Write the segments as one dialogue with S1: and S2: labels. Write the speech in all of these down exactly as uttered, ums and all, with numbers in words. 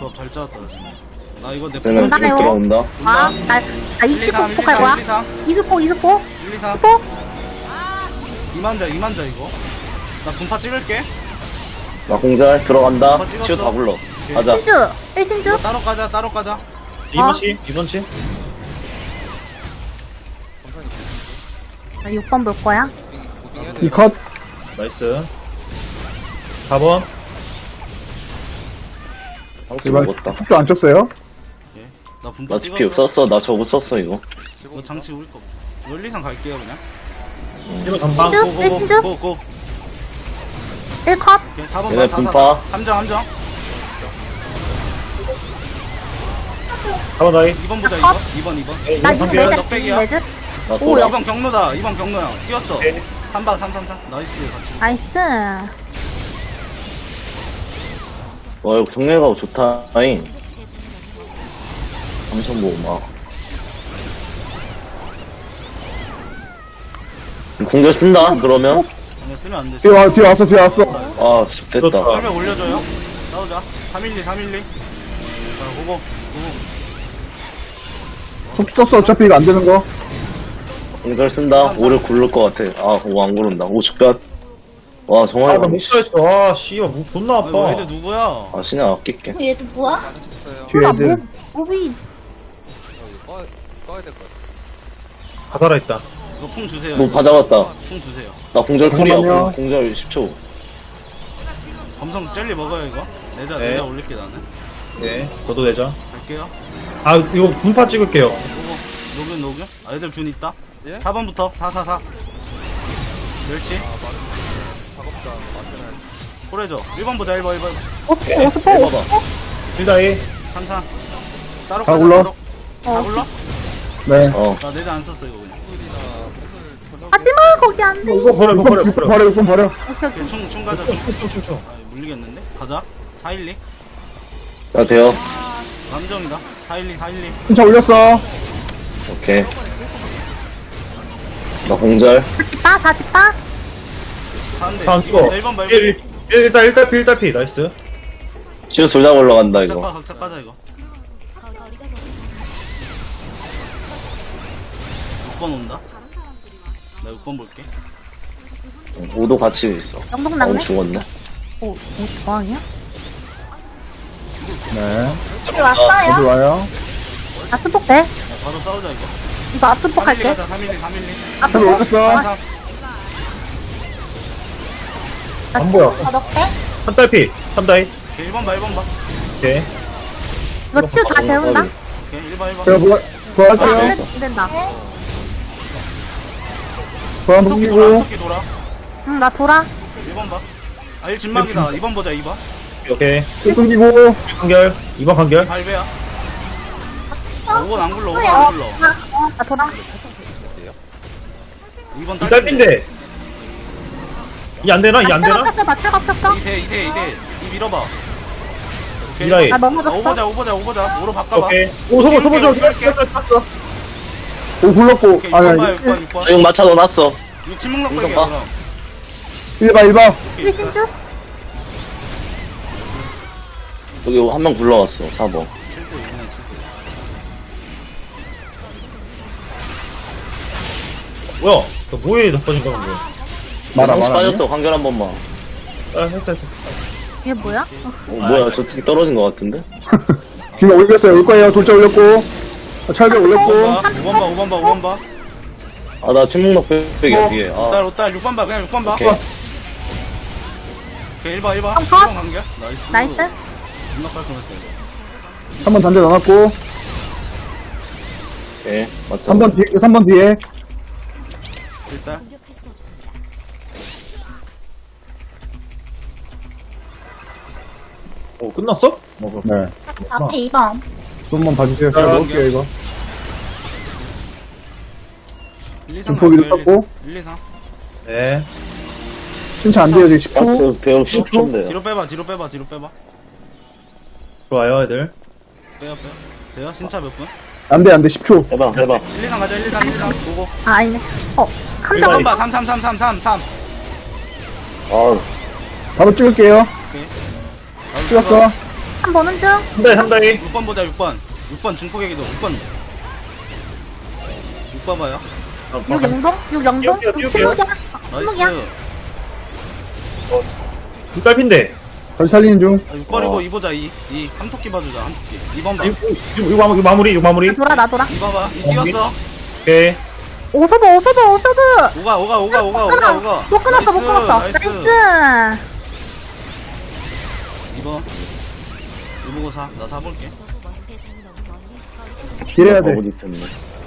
S1: 조합 잘 짜왔다. 나 이거 내
S2: 쟤는
S1: 폰
S2: 쭉 들어온다.
S3: 아, 나, 나
S1: 일, 이, 삼,
S3: 이치포 폭할 거야.
S1: 일, 이, 삼,
S3: 이스포, 이스포,
S1: 일, 이, 삼.
S3: 스포.
S1: 이만자, 이만자 이거. 나 분파 찍을게.
S2: 나 공잘 들어간다.
S1: 어, 찍었어.
S2: 치유 다 불러. 가자.
S3: 신주, 일 신주.
S1: 따로 가자, 따로 가자.
S4: 이번 치, 이번 치.
S3: 나 육 번 볼 거야.
S5: 이 컷.
S4: 나이스. 사 번.
S2: 상수
S5: 제발
S2: 먹었다.
S5: 속도 안 쳤어요?
S1: 나 분파
S2: 나 티피
S1: 찍었어.
S2: 썼어. 나 저거 썼어 이거.
S1: 이거 장치 우리 거. 일, 이, 삼 갈게요 그냥.
S4: 이번 전방.
S3: 신주,
S1: 고,
S3: 일
S1: 고,
S3: 신주.
S1: 고, 고.
S3: 일 컷.
S1: 오케이, 사 번
S2: 얘네
S1: 봐, 사,
S2: 분파.
S1: 사, 사. 함정, 함정.
S4: 사 번 다이.
S1: 이 번 보자,
S3: 아,
S1: 이거.
S3: 컷.
S1: 이 번, 이 번.
S3: 나 이거
S4: 한개야?
S3: 매즈,
S1: 넉백이야.
S3: 매즈.
S2: 나
S3: 오,
S2: 돌아.
S1: 이 번 경로다, 이 번 경로야. 뛰었어.
S4: 오케이.
S1: 삼 번, 삼, 삼, 삼. 나이스, 같이.
S3: 나이스.
S2: 와 이거 정례가고 좋다. 아잉. 삼천 보고 막. 공절 쓴다. 그러면
S1: 아니야, 쓰면 안 돼.
S5: 뒤에 와, 뒤에 왔어, 뒤에 왔어.
S2: 아 씨, 됐다.
S4: 좋다.
S1: 설명 올려줘요. 싸우자. 삼 일 이, 삼 일 이. 자, 고고. 고고.
S5: 속도 썼어, 어차피 이거 안 되는 거.
S2: 공절 쓴다. 오를 굴릴 것 같아. 아 오 안 구른다. 오 죽변. 와 정말.
S4: 아, 나못 써있어. 아, 씨발, 목 존나
S1: 아이고,
S4: 아파.
S1: 애들 누구야?
S2: 아 신경 아낄게.
S3: 얘들 뭐야?
S5: 뒤에
S3: 몰라,
S5: 애들.
S3: 몹, 몹이.
S4: 다 살아있다.
S1: 이거 풍 주세요.
S2: 뭐
S1: 이거.
S2: 받아봤다.
S1: 풍 주세요.
S2: 나 공절 쿨이야.
S5: 잠깐만요.
S2: 공절 십 초.
S1: 검성 젤리 먹어요, 이거. 내자,
S4: 네.
S1: 내자 올릴게, 나는.
S4: 네, 저도 내자.
S1: 갈게요.
S4: 아, 이거 분파 찍을게요.
S1: 고고. 녹음, 녹음. 아, 애들 준 있다. 사 번부터. 사, 사, 사. 멸치. 호래줘. 일 번 보자, 일 번, 일 번.
S3: 오스포, 오스포,
S2: 해봐봐.
S3: 오스포.
S4: 칠 다이.
S1: 삼, 삼. 따로
S5: 다
S1: 가자,
S5: 굴러?
S1: 따로. 다 굴러?
S5: 네.
S2: 어.
S1: 나 내자 안 썼어, 이거 그냥.
S3: 하지마, 거기 안 돼.
S5: 이거 버려,
S4: 이거
S5: 버려,
S4: 버려,
S5: 이거
S4: 버려.
S5: 버려, 이거 버려.
S3: 오케이, 오케이.
S1: 오케이, 충, 충 가자, 충.
S4: 충충충충.
S1: 아, 물리겠는데? 가자. 사, 일, 이.
S2: 나 돼요.
S1: 감정이다. 사, 일, 이, 사, 일, 이.
S5: 진짜 올렸어.
S2: 오케이. 나 공절.
S3: 사집바, 사집바.
S1: 사인데.
S4: 다음
S1: 이
S4: 거.
S1: 번, 일 번 말고.
S4: 일, 일, 일단, 일단 피, 일단 피. 나이스.
S2: 치유 둘 다 올라간다
S1: 각자 까,
S2: 이거.
S1: 각자 까자, 이거. 육 번 온다. 나 육 번 볼게.
S2: 오도 같이 있어.
S3: 영동
S2: 어
S3: 낙네?
S2: 죽었네.
S3: 오, 오, 저항이야?
S5: 네.
S3: 여기 왔어요?
S5: 어디 와요?
S3: 아, 스폭 돼?
S1: 야, 바로 싸우자, 이거.
S3: 이거 앞스폭
S1: 삼, 일, 이
S3: 할게.
S1: 가자, 삼, 일, 이, 삼, 일, 이.
S3: 앞스폭.
S5: 저기 올렸어.
S1: 삼, 삼.
S4: 안 보여.
S3: 아, 넉대?
S4: 한 달 피. 삼 다이.
S1: 오케이, 일 번 봐, 일 번 봐.
S4: 오케이.
S3: 이거 치유 다 재운다?
S1: 오케이, 일 번, 일 번.
S5: 제가 부활,
S3: 아,
S5: 부활할게요.
S3: 안
S2: 됐어.
S3: 된- 안 된다.
S5: 부활 한번
S1: 토끼 돌아,
S5: 숨기고.
S1: 토끼 돌아.
S3: 응, 나 돌아.
S1: 일 번 봐. 아, 일 진막이다. 이 번 보자, 이 번.
S4: 오케이.
S5: 또 숨기고.
S4: 간결. 이번 간결.
S1: 발배야. 오 번 안 굴러, 오 번 안 굴러.
S3: 어, 나 돌아.
S1: 이 번
S4: 이 딸핀데. 이 안 되나? 이 안 되나?
S3: 폈어, 나 차가 폈어.
S1: 이 대, 이 대, 이 대. 이 밀어봐. 오케이.
S4: 이라이.
S3: 나
S1: 아,
S3: 넘어졌어.
S1: 오보자, 오보자, 오보자. 오로 바꿔봐.
S4: 오케이. 오, 소보, 소보, 소보.
S1: 오케이, 오케이.
S4: 땄어.
S5: 오, 굴렀고.
S1: 오케이,
S5: 아니,
S1: 육 번 봐,
S5: 아니.
S1: 육 번, 육 번.
S2: 육 맞춰 넣어놨어.
S1: 이거 침묵락백이야,
S2: 이거 봐.
S1: 그럼.
S5: 일 봐, 일 봐.
S1: 오케이,
S3: 일 신주?
S2: 여기 한 명 굴러왔어. 사 번.
S1: 칠 대 이번에 칠 대.
S4: 뭐야? 너 뭐에 나빠진 거야, 뭐.
S5: 말아,
S2: 상시
S5: 말아.
S2: 빠졌어. 관결 한 번만.
S4: 아, 했어, 했어.
S3: 이게 뭐야? 어,
S2: 어, 뭐야 저 특히 떨어진 것 같은데?
S5: 지금 올렸어요. 올 거예요. 돌자 올렸고. 아, 철벽 올렸고.
S1: 오 번 봐, 오 번 봐, 오 번 봐, 오 번 봐.
S2: 아 나 침묵력 백백이야
S5: 어.
S2: 뒤에.
S1: 오딸,
S2: 아
S1: 오딸, 육 번 봐, 그냥 육 번 봐.
S2: 오케이.
S1: 오케이, 일 번, 일 번.
S3: 한
S1: 일
S3: 번.
S1: 번 간결. 나이스.
S3: 나이스.
S1: 존나 깔끔했어, 이거.
S5: 한 번 단대 넣어놨고.
S2: 오케이 맞어.
S5: 삼 번 뒤에, 삼 번 뒤에.
S1: 일단.
S4: 오, 끝났어?
S5: 네.
S3: 앞에 이 번.
S5: 좀만 봐주세요. 제가
S4: 자,
S5: 넣을게요, 이거.
S1: 일, 이, 삼
S5: 중폭이도
S1: 갈게요,
S5: 썼고.
S1: 일, 이, 삼.
S4: 네.
S5: 진짜 안 돼요, 지금 십 초.
S2: 맞어 대형 십 초인데요.
S1: 뒤로 빼봐, 뒤로 빼봐, 뒤로 빼봐.
S4: 좋아요, 애들.
S1: 빼요, 빼요. 돼요? 신차 몇 분?
S5: 안 돼, 안 돼, 십 초.
S2: 해봐 해봐.
S1: 일, 이, 삼 가자, 일, 이, 삼, 일, 이, 삼. 보고.
S3: 아, 아니네. 어,
S4: 일반.
S3: 함정.
S1: 삼 봐, 삼, 삼, 삼, 삼, 삼, 삼.
S2: 아
S5: 바로 찍을게요.
S1: 오케이.
S5: 찍었어.
S3: 한 번은 중.
S4: 한다이 한다이.
S1: 육 번 보자 육 번 육 번 중폭에게도 육 번 육 번 봐요.
S3: 육 영동? 육 영동?
S4: 띄울게요,
S3: 육
S4: 띄울게요.
S3: 침묵이야. 침묵이야.
S1: 나이스.
S4: 불딸핀데.
S5: 다시 살리는 중.
S1: 아, 육 버리고
S2: 어.
S1: 이 보자 이. 이 삼토끼 봐주자 삼토끼. 이 번 봐.
S4: 이거 이거 마무리 이거 마무리 이거 마무리.
S3: 나 돌아, 나 돌아.
S1: 이 봐봐. 이 뛰었어.
S4: 오케이.
S3: 오서브, 오서브, 오서브!
S1: 오가 오가 오가 오가 오가 오가.
S3: 못 끊었어, 못
S1: 나이스,
S3: 끊었어.
S1: 나이스.
S3: 나이스!
S1: 이 번. 이 보고 사. 나 사 볼게.
S5: 딜해야 돼.
S2: 어디 텐데.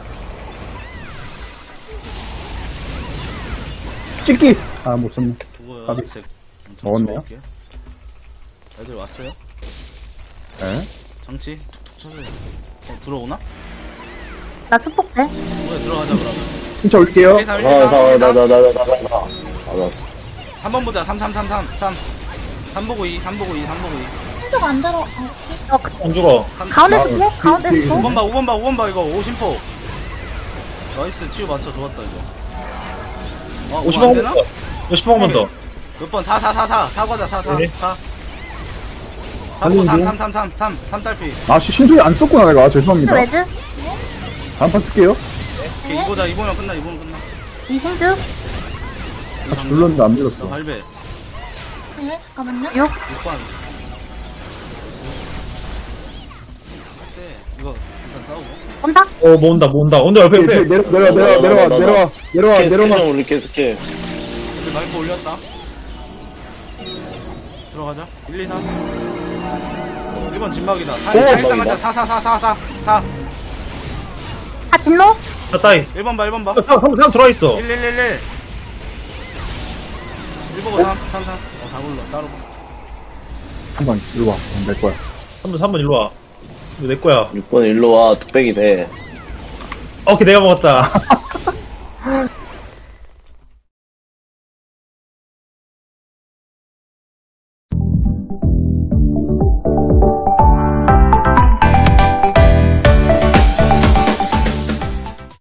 S5: 찍기! 아, 못 썼네.
S1: 두고요.
S5: 까비.
S1: 색.
S5: 먹었네요.
S1: 먹을게. 애들 왔어요.
S5: 네.
S1: 정치 툭툭 쳐줘요. 어, 들어오나?
S3: 나 축복돼.
S1: 뭐야 들어가자 그러면.
S5: 진짜 올게요.
S1: 일 삼 일
S2: 아,
S1: 삼
S2: 사,
S1: 일
S2: 나,
S1: 삼.
S2: 나, 나, 나, 나, 나. 알았어.
S1: 삼 번 보자. 삼 삼 삼 삼 삼. 삼 보고 이, 삼 보고 이, 삼 보고 이.
S3: 한쪽 안 들어. 어,
S4: 안 죽어.
S3: 가운데서 보? 가운데서
S5: 그-
S3: 보?
S1: 오 번 봐, 오 번 봐, 오 번 봐, 이거. 오심포. 나이스, 치유 맞춰. 좋았다, 이거. 어,
S4: 오십
S1: 안
S4: 번
S1: 되나?
S4: 더. 오십 번만 더.
S1: 몇 번? 사, 사, 사, 사. 사 과자, 사, 사.
S4: 네.
S1: 사. 삼, 삼,
S5: 살리는
S1: 삼, 삼, 삼, 삼. 삼 딸피.
S5: 아, 시- 신소리 안 썼구나, 내가. 죄송합니다.
S3: 레드?
S5: 다음 판 쓸게요.
S1: 오케이, 이보자, 이보면 끝나, 이보면 끝나.
S3: 이신주?
S5: 같이 눌렀는데 안
S1: 나
S5: 눌렀어.
S1: 발배.
S3: 네, 잠깐만요. 육?
S1: 육 번. 네, 이거 일단 싸우고.
S3: 온다?
S4: 어 모은다 모은다. 온다 옆에
S5: 네,
S4: 옆에.
S5: 내려, 내려와, 내려와, 내려와, 내려와, 내려와,
S2: 스킬, 스킬
S5: 내려와.
S2: 좀 올릴게, 스킬.
S1: 여기 마이크 올렸다. 들어가자. 일, 이, 삼. 일 번 진막이다. 사,
S2: 오,
S1: 사, 일단
S2: 진막이다.
S1: 가자. 사, 사, 사, 사, 사. 사.
S3: 아, 진노?
S4: 자 따이.
S1: 일 번 봐, 일 번 봐.
S4: 삼삼 들어와 있어.
S1: 일, 일, 일, 일. 일 보고 삼, 삼, 삼. 어, 다 불러. 따로 봐.
S5: 한번 이리 와. 내 거야.
S4: 삼번 삼번 일로 와. 이거 내 거야.
S2: 육 번 일로 와, 뚝배기 돼.
S4: 오케이 내가 먹었다.